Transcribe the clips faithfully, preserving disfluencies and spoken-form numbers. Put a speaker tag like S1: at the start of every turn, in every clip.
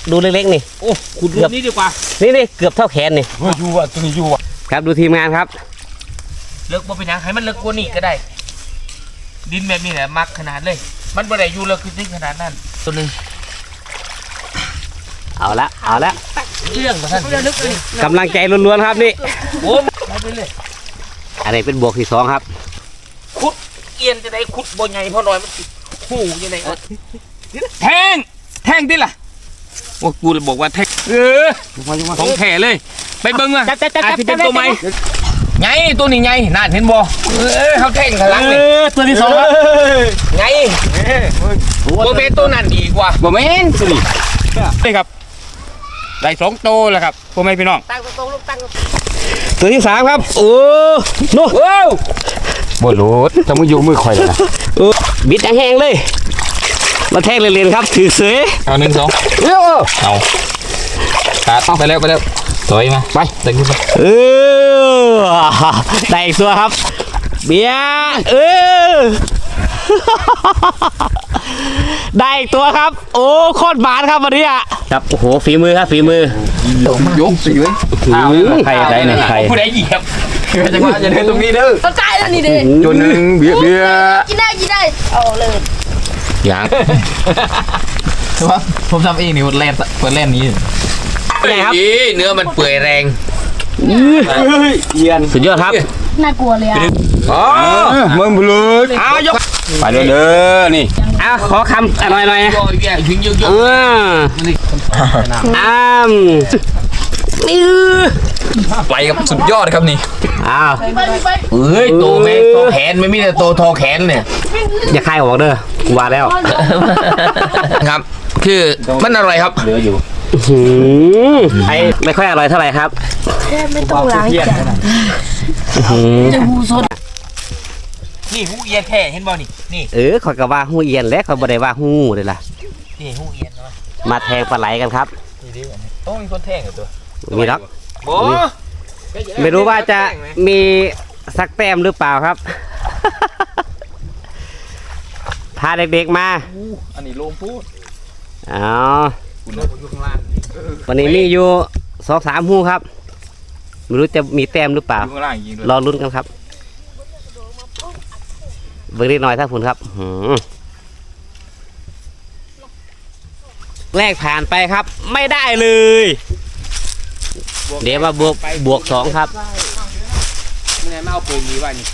S1: ดูเล็กๆนี่
S2: โอ้ขุดรูนี้ดีกว่า
S1: นี่นี่เกือบเท่าแขนนี่
S3: อยู่อ่ะตัวนี้อยู่อ่ะ
S1: ครับดูทีมงานครับ
S2: เลิกบ่เป็นยังให้มันเลิกกว่านี้ก็ได้ดินแบบนี้แหละมักขนาดเลยมันบ่ได้อยู่เลิกขึ้นขนาดนั้นตัวนึง
S1: เอาละเอาละ
S2: เรื่องท่าน
S1: กำลังใจล้วนๆครับนี่
S2: โอ้ไปเลย
S1: อันนี้เป็นบวกที่สองครับ
S2: ขุดเอียนจะได้ขุดบ่ใหญ่พอหน่อยมันหูยังไงแทงแทงดิล่ะว่ากูบอกว่าแทงเออของแท้เลยไปเบิ้งอ่ะอาจจะเป็นตัวใหม่ไงตัวนี้ไงน่าเห็นบ่เออเขาแทงข้างหลังเลย
S1: ตัวที่สองครับ
S2: ไงบ่เป็นตัวนั้นดีกว่าบ่แม่นสินี่ครับได้สองตัวแล้วครับพ่อแม่พี่น้องตั้งตัวลูกตั้ง
S1: ตัวที่สามครับโอ้โน้
S3: บ่โหลดจะมาอยู่มือข่อยเลยนะ
S1: บิดแห้งเลยมาแทงเรียนๆครับถือเสือ
S2: เอาหนึ่งสองเอาตัดไปแล้วไปแล้วสวยมาไปดึงขึ้นไป
S1: เออได้อีกตัวครับเบียร์เออได้อีกตัวครับโอ้โคตรบานครับวันนี้อ่ะครับโอ้โหฝีมือครับฝีมื
S3: อยกสิเว้ย
S1: ใครใครเนี่ยใคร
S2: ผู้ใดเหยียบ
S3: จังหวะจะเดินตรงนี้เด้อ
S4: เข้าใจแล้วนี่เด้
S3: จนหนึ่งเบียร์เบียร์
S4: กินได้กินได้เอาเลย
S2: อย่างว่าผมทำเองนี่แล่นเปิดแล่นนี้ไงครับเนื้อมันเปื่อยแรง
S1: เยียนสุดยอดครับ
S4: น่ากลัวเลยอ่ะ
S3: อ๋อมึงบุรุษ
S2: อ้าวยก
S3: ไปเด้อเด้อนี่
S1: อ้าวขอคำอร่อยหน่อย
S2: ถึงเยอะๆ
S1: อ้ามนี่
S2: ไปกับสุดยอดครับนี่
S1: อ้าว
S2: เอ้ยโตแม่โตแขนไม่มีแต่โตทอแขนเนี่ย
S1: อย่าคายออกเด้อกูว่าแล้ว
S2: ครับคือมันอร่อยครับ
S3: เหลืออยู่
S1: ไอ้ไม่ค่อยอร่อยเท่าไหร่ครับ
S4: แค่ไม่ต้องล้างจานจะหูสด
S2: นี่หูเอียนแท้เห็นบ่นี่นี่
S1: เออขอยก็ว่าหูเอียนแล้วเขาบ่ได้ว่าหูเลยล่ะ
S2: นี่หูเอียนเนาะ
S1: มาแทงปลาไหลกันครับ
S2: ต้องมีคนแทงกับตัว
S1: มีรักไม่รู้ว่าจะมีสักแต้มหรือเปล่าครับพาเด็กๆมา
S2: อันนี้ลงพูด
S1: อ๋อวันนี้มีอยู่สองสามหูครับไม่รู้จะมีแต้มหรือเปล่ารอลุ้นกันครับเบิ่งนิดหน่อยถ้าผุนครับแรกผ่านไปครับไม่ได้เลยเดี๋ยวมาบวกบวกสองครับ
S2: ไม่ได้มาเอาปืนนี้ไว้นี่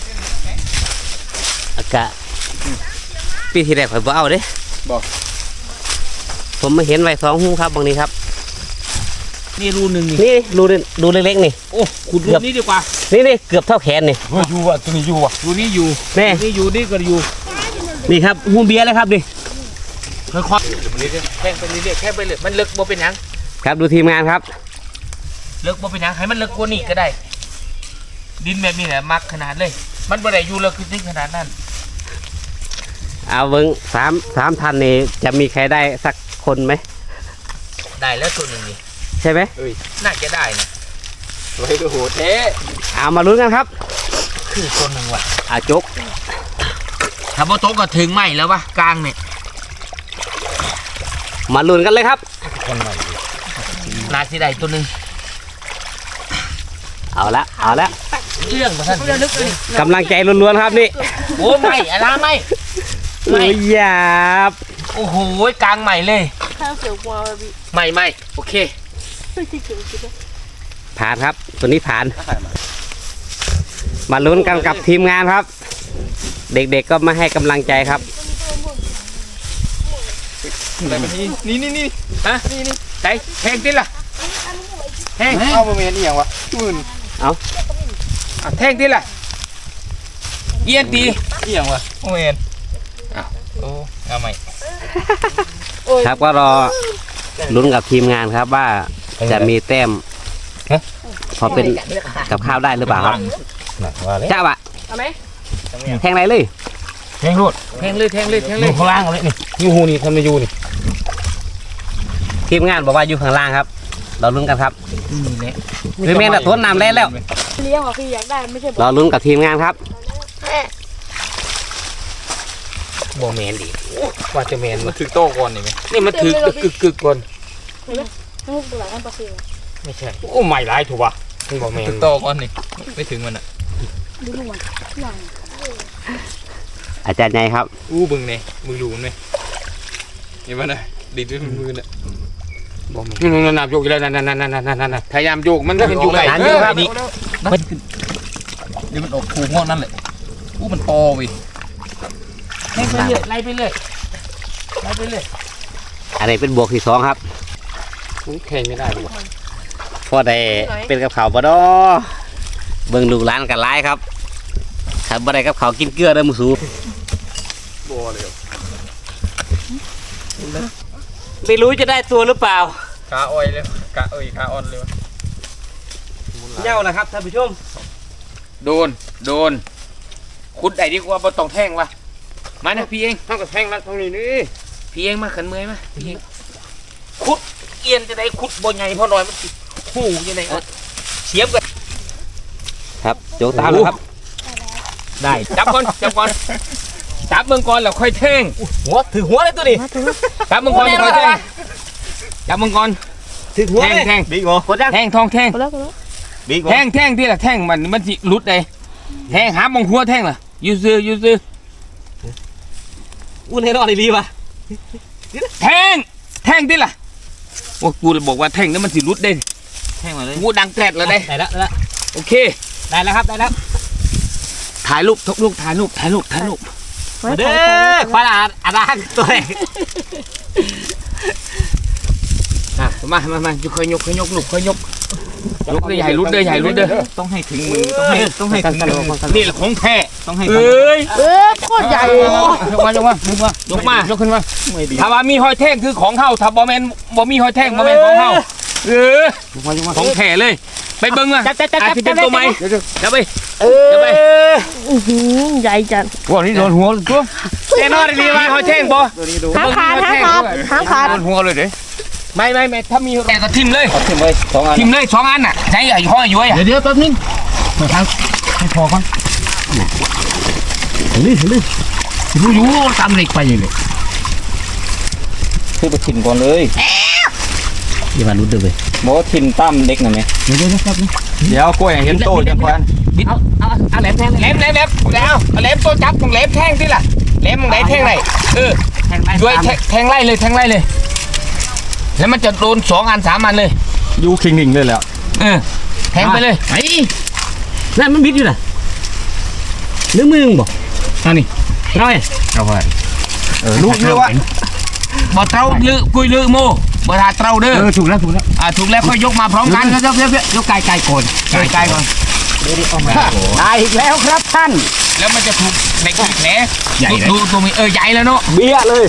S1: อากาศปีที่แรกผมเอาเด้
S2: บอก
S1: ผมมาเห็นไว้สองหูครับบางนี้ครับ
S2: นี่รูหนึ่ง
S1: นี่รูรูเล็กๆนี่
S2: โอ้ขุดรูนี้ดีกว่า
S1: นี่นี่เกือบเท่าแขนนี่
S3: อยู่อ่ะตัวนี้อยู่อ่ะ
S2: รูนี้อยู่
S1: นี่
S2: นี่อยู่นี่ก็อยู่
S1: นี่ครับหูเบียร์เลยครับดิ
S2: ค่อยๆแข่งไปเรื่อยๆแค่ไปเลยมันเลิกบ่เป็นยัง
S1: ครับดูทีมงานครับ
S2: เลิกบ่เป็นยังให้มันเลิกกว่านี้ก็ได้ดินแบบนี้แหละมักขนาดเลยมันบ่ได้อยู่เลิกขึ้นขนาดนั้น
S1: เอาเบิ้งสามสามทันนี่จะมีใครได้สักคนไหม
S2: ได้แล้วตัวหนึ่งนี่
S1: ใช่ไหม
S2: น่าจะได้นะ
S3: สวยโหดเท่
S1: เอามาลุ้นกันครับ
S2: คือตัวหนึ่งว่ะ
S1: อาจก
S2: ถ้าโบโต๊ะก็ถึงไหมแล้ววะกลางเนี่ย
S1: มาลุ้นกันเลยครับ
S2: น่าจะได้ตัวหนึ่ง
S1: เอาละเอาละ
S2: เรื่องท่าน
S1: กำลังใจล้วนๆครับนี่
S2: โอ้ไม่อะไรไม่
S1: ไม่หยาบ
S2: โอ้โหกลางใหม่เลยใหม่ใหม่โอเค
S1: ผ่านครับตัวนี้ผ่านมาลุ้นกันกับทีมงานครับเด็กๆก็มาให้กำลังใจครับ
S2: นี่นี่นี่ฮะนี่นี่ใจแทงติล่ะแทง
S3: เอาโมเมนต์นี่อย่างวะมื่น
S1: เอา
S2: แทงติล่ะเอียนตีนี่อย่างวะโมเมนต์อ้าวโอ้เอาใหม่
S1: ครับก็รอลุ้นกับทีมงานครับว่าจะมีแต้มพอเป็นกับข้าวได้หรือเปล่าครับเจ้าอะแทงไรเลย
S2: แทงรวดแทงเลยแทงเลยแทงเลย
S3: ข้างล่างเลยนี่ยูฮูนี่ทำในยูนี่
S1: ทีมงานบอกว่าอยู่ข้างล่างครับเราลุ้นกันครับคือแม่แต่ต้นน้ำแล่แล้ว
S4: เลี้ยงอ่ะคืออยากได้ไม่ใช่
S1: เราลุ้นกับทีมงานครับ
S2: โมเมนต์ดิว่าจะเมนมาถือโต้ก่อนนี่ไหมนี่มันถือกึกกึกก่อน
S4: ลูกตัวไหนอันปลาซิว
S3: ไม่ใช่โอ้ไม่ร้ายถูกป่ะมึงบอกแม่
S2: ถึงโตก่อนนี่ไม่ถึงมันอ่ะ
S4: ดูลูกมันหลัง
S1: อาจารย์ใหญ่ครับ
S2: อู้บึงเนี่ยมึงดูมันไหมเห็นป่ะนะดีด้วยมือน่ะ
S3: นี่นั่นนั่นโยกแล้วนั่นนั่นนั่นนั่นนั่นพยายามโยกมันเป็นโยกไหน
S2: เออนี่มันเดี๋ยวมันออกผูกงอกนั่นแหละอู้มันโตไปไล่ไปเรื่อยไล่ไปเรื่อยไล่ไปเรื่อย
S1: อันนี้เป็นบวกที่สองครับ
S3: แข่งไม่ได้หรอก
S1: พอได้เป็นกับเขาวบ่ดอเบิ่งลูกหลานกันหลายครับขันบ่ได้กับเขาวกินเกลือเด้อหมูสู
S3: บัวเลย
S1: ไม่รู้จะได้ตัวหรือเปล่า
S3: ขาอ้อยเลยขาอ้อยขาอ่อนเลย
S1: เย้านะครับท่านผู้ชม
S2: โดนโดนขุดไอ้ดีกว่าบ่ต้องแท่งวะมานะพี่เอง
S3: ทั้งกับแท่งแล้วทั้งนี้นี่
S2: พี่เองมาขันเมอยมาพี่เองขุดเอียนจะได้ขุดบ่ใหญ่เพราะน้อยมันสิหูยังไงเสียบกัน
S1: ครับโจกตามแล้วครับ
S2: ได้จับก่อนจับก่อนจับเมืองก่อนแล้วค่อยแท่ง
S3: หัวถือหัวเลยตัวนี้
S2: จับเมืองก่อนแล้วค่อยแท่งจับเมืองก่อน
S3: ถือหัว
S2: แท่ง
S3: เลย
S2: แท่ง
S3: บิ๊กเหรอ
S2: แท่งทองแท่ง
S4: ก็แล้วก็แล้ว
S3: บิ๊กเหรอ
S2: แท่งแท่งที่ละแท่งมันมันสิหลุดเลยแท่งหามองหัวแท่งล่ะยูซื้อยูซื้อ
S1: อุ้นให้รอดดีป่ะ
S2: แท่งแท่งที่ล่ะโอ้กูเลยบอกว่าแท่งนั้นมันสิหลุดเด้
S1: แท่งมาเลย
S2: กูดังแกรดแล้วได้
S1: ได้แล้วได้แล้ว
S2: โอเค
S1: ได้แล้วครับได้แล้ว
S2: ถ่ายรูปทุกลูกถ่ายรูปถ่ายรูปถ่ายรูป
S1: มาเด้อควายอาอาดางตัวไหน
S2: อ่ะมามามาค่อยยกค่อยยกลูกค่อยยกยกได้ใหญ่รุดเด้อใหญ่รุดเด้อ
S1: ต้องให้ถึงมือต้องให้ต้องให้ถึงมือ
S2: นี่แหละของแท้
S1: ต้องให้
S2: เอ้ย
S4: เออโคตรใหญ่
S2: ยกมายกมายกมายกมายกขึ้นมา
S1: ไม่ดี
S2: ถ้าว่ามีหอยแท่งคือของเฮาถ้าบ่แม่นบ่มีหอยแท่งบ่แม่นของเฮาเออของแท้เลย ไปเบิ่งอ่ะ
S1: จับจับจับ
S2: อาจ
S1: จับ
S2: สิเป็นตัวใหม่จับไป
S1: เออ
S2: จับไป
S4: อื้อหือใหญ่จัด
S2: ว่านี่โดนหัวตัวแน่นอนดีว่าหอยแท่งบ่
S4: หางขาดหางขาดหางขาด
S2: โดนหัวเลยเด้ไม่ไม่ไม่ถ้ามีแต่ก็ทิ่มเลย
S1: ทิมไว้สองอัน
S2: ทิ่มเลยสองอันน่ะใช้ไอ้ห้อยย้อยอ่ะ
S1: เดี๋ยวเดี๋ยวแป๊บนึงมาทางให้พอก่อนนี่นี่รู้อยู่ตามเหล็กไปเลยคือไปถิ่นก่อนเลยอย่ามาลุ้นเด้อเว้ย
S3: บอกว่าทิมตั้มเด็กหน่อยไหม
S1: เดี๋ยวเดี๋ยวครับ
S3: เดี๋ยวกล้วยเห็นโตจังควัน
S1: เอาเอาเอาแหลมแทง
S2: แหลมแหลมแหลมแล้วแหลมตัวจับของแหลมแท่งสิล่ะแหลมของไหนแท่งไหนเออ
S1: แทงไล่
S2: ด้วยแทแทงไล่เลยแทงไล่เลย แล้วมันจะโดนสองอันสามอันเลย
S3: ยูคิงหนิงเลยแล้ว
S2: เออแทงไปเลย
S1: ไอ้นั่นมันบิดอยู่น่ะนึกมือมึงบ่อันนี้น้อย
S3: เอาไป
S1: เออ
S2: ลูกเรือวะบ่เต้าลือกุยลือโมบ่ทาเต้าเด้อ
S1: เออถูกแล้วถูกแล้ว
S2: อ่าถูกแล้วค่อยยกมาพร้อมกัน
S1: เดี๋ยวเดี๋ยวเดี๋ยวเดี๋ยวยกไก่ไก่โกน
S2: ไกลไกลก่อน
S1: ได้อีกแล้วครับท่าน
S2: แล้วมันจะถูกในกแผลดูตัวมีเออใหญ่แล้วเนาะ
S1: เบี้ยเลย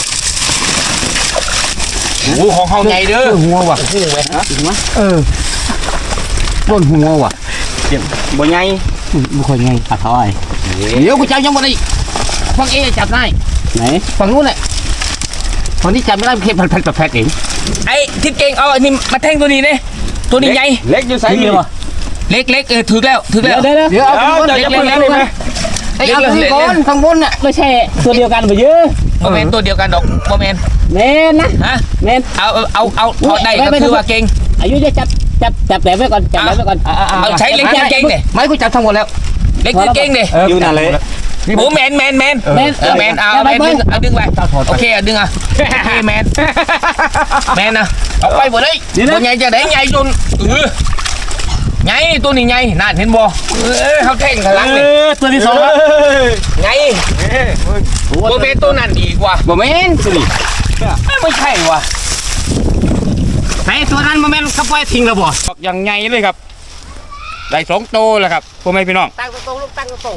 S2: โอ้ของเขาใหญ่เด้อ
S1: หัวว่ะหัวไหมฮะหัวเออต้นหัวว่ะ
S3: บ่ใหญ่
S1: ไม่ค่อยไงปัดถอยเดี๋ยวกูจับยังบ่ได้ฟังเอจับได้ไหนฝั่งนู้นแหละฝั่งนี้จับไม่ได้เข็มพันพันแพ็คเอง
S2: ไอ้ทิศเก่งเอาอันนี้มาแทงตัวนี้เนี่ยตัวนี้ใหญ่
S3: เล็กอยู่ไซส์
S1: นี่
S3: นี่
S1: เหรอ
S2: เล็กเล็กเออถึกแล้วถึกแล้ว
S1: เดี๋ยวเดี๋ยวเอา
S3: เดี๋ยวจะ
S2: เล็ก
S3: เพิ่ง
S2: เล็ก
S3: ได้ไหม
S1: ไอ้เอาที่ก้อนข้างบนน่ะไม่ใช่ตัวเดียวกันไปเยอะ
S2: โมเมนตัวเดียวกันดอกโมเมน
S1: เน้นนะ
S2: ฮะ
S1: เน้น
S2: เอาเอาเอาเอาถอดได้ก็คือว่าเก่ง
S1: อายุจะจับจับจับแหลมไว้ก่อนจับแหลมไว้ก่อน
S2: เอาใช้เล็กเก่งเนี่ย
S1: ไม่กูจับทั้งหมดแล้ว
S2: เล็กเก่งเนี่ย
S3: อยู่นั่นเลย
S2: โอ้แมนแมนแมน
S1: แมน
S2: เออแมนเอาแมนดึงเอาดึงไปโอเคเอาดึงอ่ะโอเคแมนแมนนะเอาไปหมดเลยตัวใหญ่จะได้ใหญ่จนเออใหญ่ตัวนี้ใหญ่น่าเห็นบ่เออเขาแข่งขลังเลย
S1: ตัวที่สองครับ
S2: ใหญ่โมเมนตัวนั้นดีกว่า
S1: บ่แม่นสิ
S2: ไม่ใช่ว่ะ
S1: ไอ้ตัวนั้นบ่แม่นเขาปล่อยทิ้งแล้วบ่
S3: อย่างไงเลยครับได้สองโตแล้วครับพ่อแม่พี่น้อง
S1: ตั้งตรงลูกตั้งตรง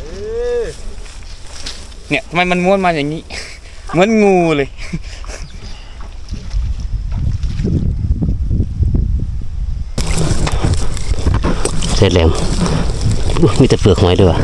S3: เนี่ยทำไมมันม้วนมาอย่างนี้ เหมือนงูเลย
S1: เสร็จแล้วมีแต่เปลือกหอยด้วย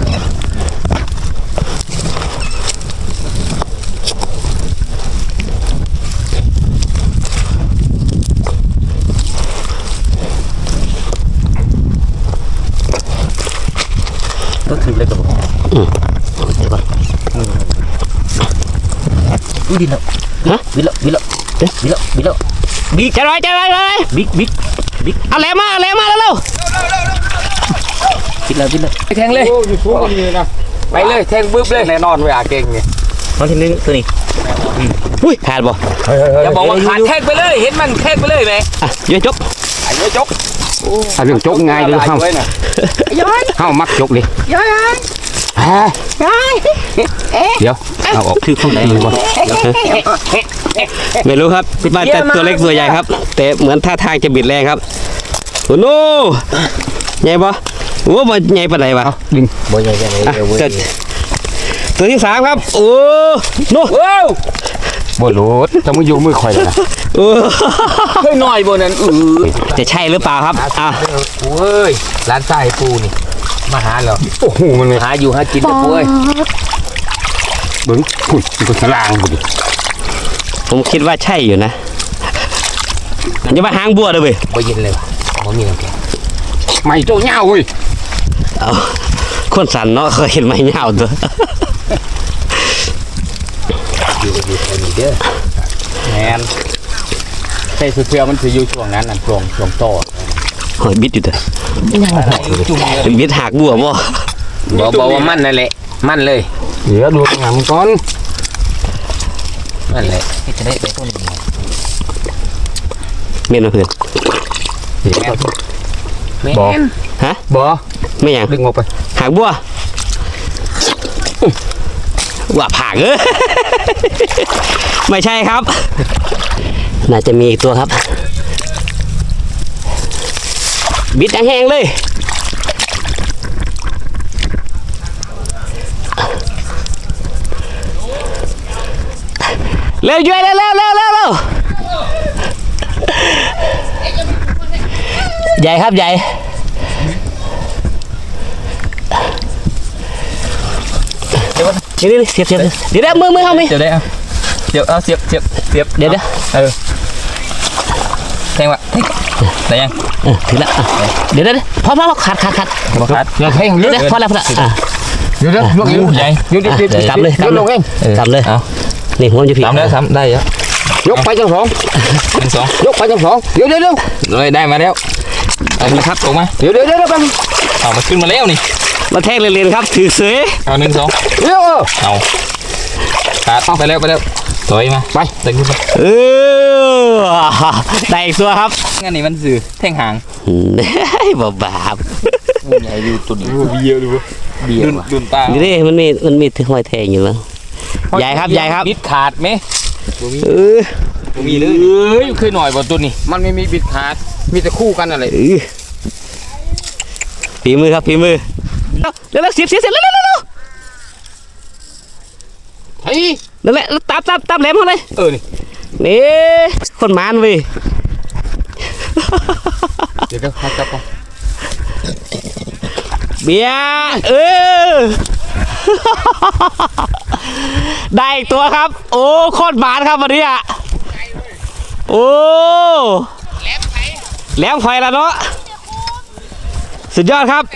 S1: ก็ถึงเลยกับผมอืมเดี๋ยวก่อนอุ้ยบินแล้วฮะบินแล้วบินแล้วเอ๊ะบินแล้วบินแล้วบิ๊กจะร้อยจะร้อยเลยบิ๊กบิ๊กบิ๊กเอาแหลมมาเอาแหลมมาแล้วเร็วปิดเลยปิดเลย
S2: แทงเลย
S3: โอ้ยสู้กันนี่นะ
S2: ไปเลยแทงบึ้บเลย
S3: แน่นอนเวลาเก่งไง
S1: ตอนที่หนึ่งตัวนี้อุ้ยขาดบ่
S2: อย่าบอกว่าขาดแทงไปเลยเห็นมันแทงไปเลยไหม
S1: อ่ะเยอะจบ
S2: ไอ้เยอะจก
S3: ถ้าเรื่องจกง่ายเลยเฮาเฮามักจกดิเดี๋ยวเอาออกคือข้างในเลยบ่
S1: ไม่รู้ครับมาแต่ตัวเล็กตัวใหญ่ครับ แต่เหมือนท่าทางจะบิดแรงครับโอ้โหใหญ่ปะโอ้บ่ใหญ่ปานไหนวะ
S3: ดึง
S1: บ่ใหญ่จังเลยตัวที่สามครับโอ้โน
S2: ว้าว
S3: บ่โหลดจะมึงอยู่มือข่อยนะ
S1: โอ้
S2: เฮ้ยหน่อยบนนั้นอือ
S1: จะใช่หรือเปล่าครับอ่ะ
S2: โอ้ยร้านทรายปูนี่มาหาเหรอ
S3: โอ้โหมันเลย
S2: หาอยู่หากินนะปุ้ย
S3: เบิ่งอุ้ยมันก็สลางบ่ดิ
S1: ผมคิดว่าใช่อยู่นะอย่ามาหางบัวเลยเว้ย
S2: บ่เย็นเลยว่ะบ่มีน้ำแข็ง
S3: ไม่โตเหย้าเว้ย
S1: เอาคนสันเนาะเคยเห็นไหมเหงาตัว
S2: อยู่อยู่แค่นี้เด้อ
S3: แมนใช่เสื้อมันสิอยู่ช่วงนั้นน่ะช่วงช่วงโต
S1: หอยบิดอยู่เถอะ
S2: จุ่มเลย
S1: บิดหักบัวบ่
S2: บ่บ่ว่ามันนั่นแหละมันเลย
S3: เดี๋ยวดูงานมันก่อน
S2: นั่นแหละจะได้ไปต้นนี้
S1: เมียนมาเพื่อน
S2: แม่
S3: บ่
S2: น
S1: ฮะ
S3: บ่
S1: ไม่หยัง
S3: ดึงออกไป
S1: หักบัวว่าผักเออ ไม่ใช่ครับ น่าจะมีอีกตัวครับ บิดแห้งๆเลยเร็วช่วยเร็วเร็วเร็วเร็วเร็วใหญ่ครับใหญ่เดี๋ยวเสียบเสียบเดี๋ยวเดี๋ยวมือมือเขาไหม
S2: เดี๋ยวได้เอาเดี๋ยวเอาเสียบเสียบเสียบ
S1: เดี๋ยวเดี๋ยว
S2: เออแทงวะได้ยัง
S1: เออถึงแล้วอ่ะเดี๋ยวเดี๋ยวเดี๋ยวพอพอพอขาดขาดขาด
S2: บ่ขาด
S3: อย่าให้
S1: เดี๋
S3: เลื
S1: ยว
S3: อด
S1: เดี๋ยวพอแล้วพอแล้วอ่ะ
S3: เดี๋ยวเดี๋ยวลวก
S2: งูใหญ่
S3: เดี๋ยวเดี๋ยวเดี๋ยว
S1: กลับเลยกลับ
S3: ล
S1: เล
S3: งเอย ง
S1: กลับเลย
S2: เอา
S1: นี่ผมจะผิด
S2: สามแล้วสามได้แล้ว
S3: ยกไปจังสอง
S2: หนึ่งสอง
S3: ยกไปจังสองเดี๋ยวเดี๋ยวเดี๋ยว
S2: เลยได้มาแล้วเอาละครับลงมา
S3: เดี๋ยวเดี๋ยวเดี๋ยวไป
S2: เอามาขึ้นมาแล้วนี่
S1: มาแทงเรียนๆครับถือเสือ
S2: เอาหนึ่งสอง
S3: เดี๋ยวเออ
S2: เอาขาดไปแล้วไปแล้วถอยมา
S3: ไป
S2: เดินขึ้นไป
S1: เออได้อีกตัวครับ
S2: งั้นนี่มันสื่อแท่งหาง
S1: บ่บาป
S2: งูใหญ่ดูตัวนี้เบียร์ดูเบียร์ดุนตา
S1: นี่ดิมันมีมันมีถึงหอยแทงอยู่แล้วใหญ่ครับใหญ่ครับ
S2: บิดขาดไหม
S1: เออ
S2: มีเลยเอ้ยเคยหน่อยบ่ตัวนี้
S3: มันไม่มีบิดขาดมีแต่คู่กันอะไร
S1: เออฝีมือครับฝีมือเร็วเร็วเสียบเสียบเสียบเร็วเร็วเร็วเร็ว
S3: เฮ้ย
S1: นั่นแหละตามตามตามแหลมเขาเลย
S2: เออนี่
S1: นี่คนมานเว้ย
S3: เดี๋ยวเดี๋ยวเขาจับก่อน
S1: เบียร์เออ ได้อีกตัวครับ โอ้โคตรหมานครับวันนี้อ่ะโอ้แหลมไฟแล้วเนาะสุดยอดครับ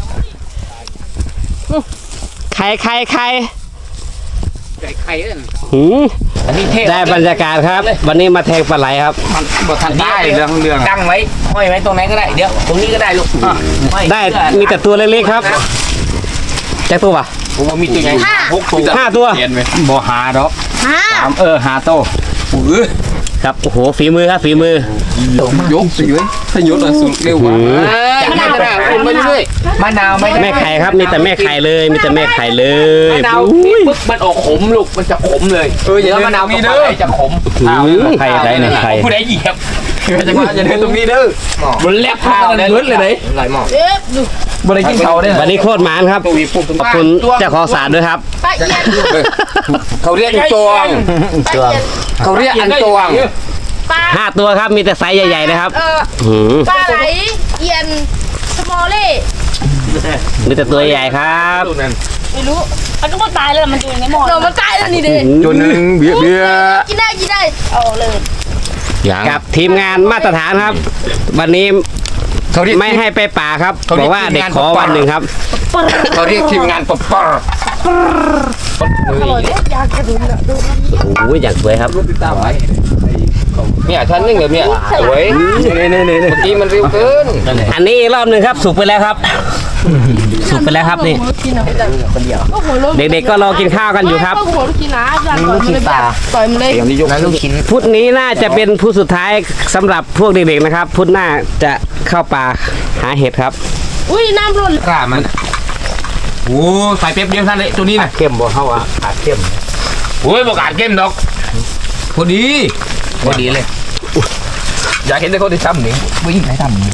S1: ไข่ไข่ไข่
S3: ไก่ไข่เอ้ย
S1: หืม
S2: อันนี้เท่
S1: ได้บรรยากาศครับ วันนี้มาแทงปลาไหลครับ
S3: มันบ่ทันได้เรื่องเรื่อง
S2: ตั้งไว้ห้อยไว้ตรงไหนก็ได้เดี๋ยวตรงนี้ก็ได้ลูกห้อย
S1: ได้มีแต่ตัวเล็กๆครับแจ็คตัวปะ
S3: ผมว่ามีตัวใหญ่หกตัว
S1: ห้าตัว
S3: เห็นไหมบ่หาดอก
S4: ฮะ
S3: สามเออหาโต
S2: อื้อ
S1: ครับโอ้โหฝีมือครับฝีมือย
S3: กสิเว้ยถ้ายกแล้วสุดเร็วกว่า
S1: หืม
S3: จากนั้นก็ได้เป็นไปเรื่อย
S2: มะนาวไม่ได้
S1: แม่ไข่ครับมีแต่แม่ไข่เลยมีแต่แม่ไข่เลย
S2: มะนาว
S1: อุ้ย
S2: ปึ๊บมันออกขมลูกมันจะขมเลย
S3: เอออย่า
S2: แล้ว
S3: เดิน
S2: มะนาว
S3: ตรงนี้
S2: กับ
S3: เด้อ
S2: ปลาไหลจะขม
S1: หืมไข่ได้เนี่ยไข่
S2: ผู้ใดเหยียบ
S3: จะมาอย่าเดินตรงนี้เด้อ
S2: มันแลบข้าวเลยเลยไหน
S3: ไหลหมอก
S4: เอ๊ะดู
S2: บริกินเขาได้
S1: วันนี้โคตรหมานครับ
S3: ตัววีปุ๊บ
S1: ขอบคุณเจ้าของสารด้วยครับ
S4: ปลาเอียน
S3: เขาเรียกอันตวง
S4: ปลาเอียน
S3: เขาเรียกอันตวง
S4: ปลา
S1: ห้าตัวครับมีแต่ไซส์ใหญ่ๆนะครับ
S4: เออ
S1: หืม
S4: ปลาไหลเอียนสมอลเล่
S1: มีแต่ตัวใหญ่ครับ
S4: ไม่รู้มันก็มาตายแล้วมันอยู่ในหม้อเรามันตายแล้วนี่เด้
S3: ตัวหนึ่งเบี้ยเบี้ย
S4: กินได้กินได้เอาเลย
S3: อย่าง
S1: กับทีมงานมาตรฐานครับ วันนี้
S3: เขาเรียก
S1: ไม่ให้ไปป่าครับ
S3: เขาเรี
S1: บ
S3: ย
S1: อก กว่าเด็กขอ
S3: ทีมงาน
S1: วันหนึ่งครับ
S3: เขาเรียกทีมงานปป
S1: โอ้ยอย่างสวยครับ
S3: เนี่ยท่านนึงเหรอเนี่ยเว้ยนี่นี่นี่เมื่อกี้มันเร็วเกิน
S1: อันนี้อีกรอบหนึ่งครับสุกไปแล้วครับ สุกไปแล้วครับนี่เด็กๆก็รอกินข้าวกันอยู่ครับ
S4: ลูกชิ้นปลาต่อยมันเลย
S3: อย่างที่ยกลูกชิ้น
S1: พุธนี้น่าจะเป็นพุธสุดท้ายสำหรับพวกเด็กๆนะครับ พุธหน้าจะเข้าป่าหาเห็ดครับ
S4: อุ้ยน้ำร้อน
S3: กล้ามันโอ้ใส่เป๊ปเดียวท่านเลยตัวนี้นะ
S2: เข้มบ่เข้าอ่ะขาดเข้ม
S3: โอ้ยบอกอาดเข้มดอกพอดีพอดีเลยอยากเห็นแต่คนที่ทำนี่วิ่งใครทำนี่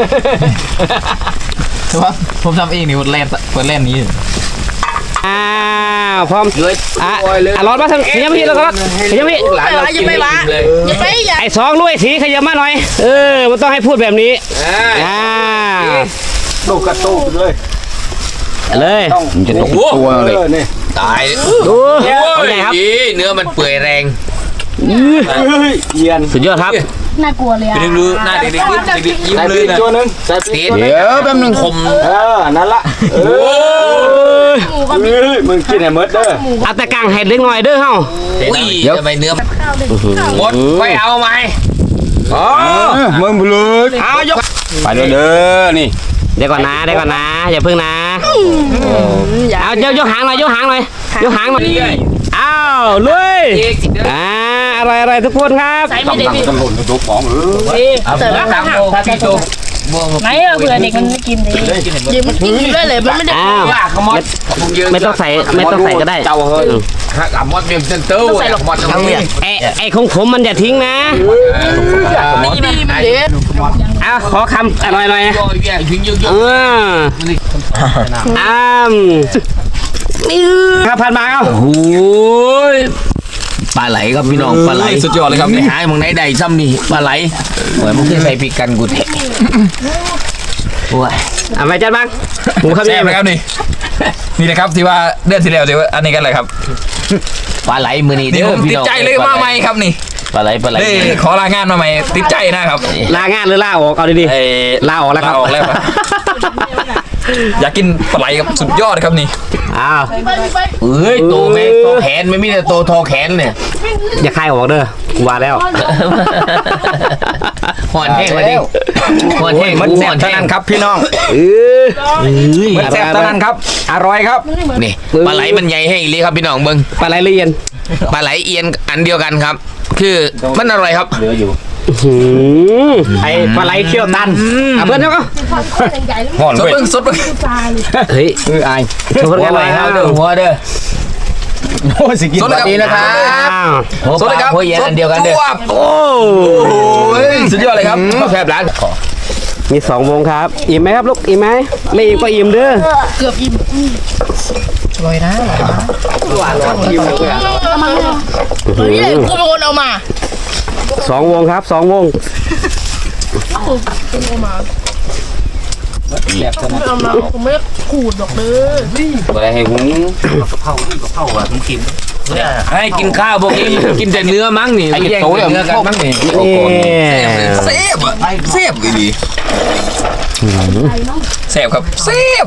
S2: แต่ว่าผมทำเองนี่เล่นเปิดเล่นนี้
S1: อ้าวพร้อมอ่ะอ่ะร้อนมาทางขยับพี่แล้วก็ขยับพี่
S4: อย่าไปวะอย่าไปอย่า
S1: ไอ้สองลุยสีขยับมาหน่อยเออมันต้องให้พูดแบบนี้อ่า
S3: ลูกกระตุกเลย
S1: เลย
S3: มันจะตกตัวเลยตาย
S1: ดู
S3: โอ้
S1: เป็น
S3: ย
S1: ไงครับ
S3: เนื้อมันเปื่อยแรง
S1: สุดยอดครับ
S4: น่ากลัวเลยอ่ะ
S2: ดึงดูหน้าเด็กๆยิ้มเด็กๆยิ้มเลยนะ
S3: ตัวนึงเดี๋ยวแป๊บนึงคม
S5: เออ นั่นละเอ
S3: โอ้
S5: อเฮ้ยมึงกินไอ้เมิดเด้อ
S1: เอาแต่กลางเห็ดเล็กหน่อยเด้อเฮา
S3: ยเดี๋ยวทำไมเนื้อหมดไปเอาไหมอ๋อ
S5: มึงบลูด
S3: เอายก
S5: ไปเด้อเด้อนี่
S1: เดี๋ยวก่อนนะเดี๋ยวก่อนนะอย่าเพิ่งนะเอายกยกหางหน่อยยกหางหน่อยยกหางหน่อยอ้าวลุยอ่าอร่อยอร่อยทุกคนครับ
S4: ใส่ไม่ได้พี่
S5: ตำรวจตัวป๋องเออ
S3: เอาไปล้างโตพี่โต
S4: ไหนเผื่อเด็กมันไม่กินเลยเดี๋ยวมันกินอยู่ด้วยเลยมันไม่ได้
S1: อ้าว
S3: ว่าขมอด
S1: ไม่ต้องใส่ไม่ต้องใส่ก็ได้
S3: เจ้าเฮ้ยฮักอ่ะมอดเมียมเซนเตอร์มอดทั้งเนี่ย
S1: ไอ้ไอ้ของผมมันอย่าทิ้งนะ
S4: ดีมันเด็ด
S1: อ้าวขอคำอร่อยหน่อย
S3: โอ้ยยิงยิงยิง
S1: เอออ้ามนี่ครับผ่านมาเอา
S3: โอ้ยปลาไหลครับพี่น้องปลาไหลสุดยอดเลยครับไม่หายมึงไหนใดซ้ำนี่ปลาไหลโอ้ยมึงเคยใส่ปีกกันกูแทะโอ้ย
S1: เอาไปจัดบ้างหมูครับ
S2: แซ่
S1: นี่
S2: บไหมครับนี่นี่นะครับที่ว่าเดือนที่แล้วที่ว่าอันนี้กันเลยครับ
S3: ปลาไหลมือนี่
S2: นี่
S3: เด้อ
S2: ผม
S3: พี่
S2: ติด
S3: น้อง
S2: ใจเลยมาใหม่ครับนี่
S3: ปลาไหลปลาไหล
S2: เด้ขอลางานมาใหม่ติดใจนะครับ
S1: ลางานหรือลาออกเอาดี
S2: เอ้ย
S1: ๆลาออกแล้วครับ
S2: ลาออกแล้วครับ อยากกินปลาไหลครับสุดยอดครับนี่
S1: อ้าว
S3: เอ้ยโตแม่โตแขนไม่มีแต่โตทอแขนเนี่ย
S1: อย่าคายออกเด้อกูว่าแล้ว
S3: หอนแห้งมาดิหอนแห้ง
S2: มัน
S3: กู
S2: แซ่
S3: ห
S2: บ
S3: อน
S2: เท่า
S3: แห้ง
S2: นั้นครับพี่น้อง
S1: เออ
S2: มันแซ่บเท่านั้นครับอร่อยครับ
S3: นี่ปลาไหลมันใหญ่ให้อีหลีครับพี่น้องเบิ้ง
S1: ปลาไหลละเอียด
S3: ปลาไหลเอียนอันเดียวกันครับ คือมันอร่อยครับ
S1: หืมไอ้ปลาไหลเขี้ยวตันเอาเพื่อนเจ้าก็
S2: หอน
S3: สด
S2: เว้ย
S3: เบิ้งสดเบิ้ง
S1: เฮ้ย
S5: คือไอ้
S1: ทุกคน
S3: หัว
S1: กัน
S3: ไห
S1: เล
S3: ล
S1: ย
S3: ค
S1: ค
S3: รั
S1: รั
S3: บบ เด้อหัวเด้อ
S5: โอ้ยสิกิน
S2: สดเลยครับ
S5: นี้นะครับ
S1: อ้าว
S3: หัว
S2: ส
S3: ป
S2: ดเลย
S3: ลา
S2: ครับ
S3: หัวเอียนอันเดียวกันเด้อ
S2: จวบ
S1: โอ้
S2: โอ้ยสุดยอดเลยครับแซ่บร้าน
S1: มีสองวงครับ อิ่มไหมครับลูก อิ่มไหมไม่อิ่มก็อิ่มเด้อ
S4: เกือบอิ่มเฮ้ยกูเป็นคนเอามา
S1: สองวงครับสองวง
S4: เอามาผมไม่ขูดดอกเลย
S3: อะไรให้หุงให้กินข้าวพวกนี้กินแต่เนื้อมั้งนี่
S2: ไอ้
S3: แย่ง
S2: โตเลย
S3: เนื้อกันมั้งนี่
S1: นี่
S2: แซ่บอะแซ่บดีแซ่บครับแซ่บ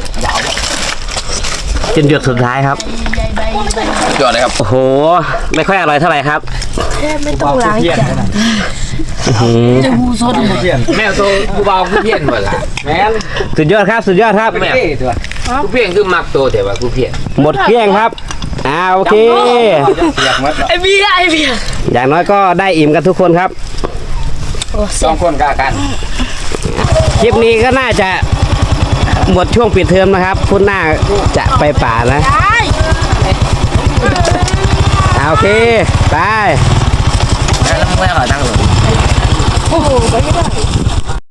S1: จนหยดสุดท้ายครับ
S2: ยอดเลยครับ
S1: โอ้โห ไม่ค่อยอร่อยเท่าไหร่ครับ
S4: แค่ไม่ต้องล้างจานจะหูสด
S3: แม่ตัวกูเบากูเพี้ยนหมดละ
S1: สุดยอดครับ สุดยอดครับ
S3: แม่กูเพี้ยนคือมักโตแต่ว่ากูเพี้ยน
S1: หมดเกลี้ยงครับอ่าโอเค
S4: ไอเบียไอเบีย
S1: อย่างน้อยก็ได้อิ่มกันทุกคนครับ
S5: สองคนกากัน
S1: คลิปนี้ก็น่าจะหมดช่วงปิดเทอมนะครับพุธหน้าจะไปป่านะ
S4: ได้
S1: อ่าโอเคไป
S3: แล้วมึงไม่ขอตั้งหรอ
S4: โอ้โหไปไม่ได้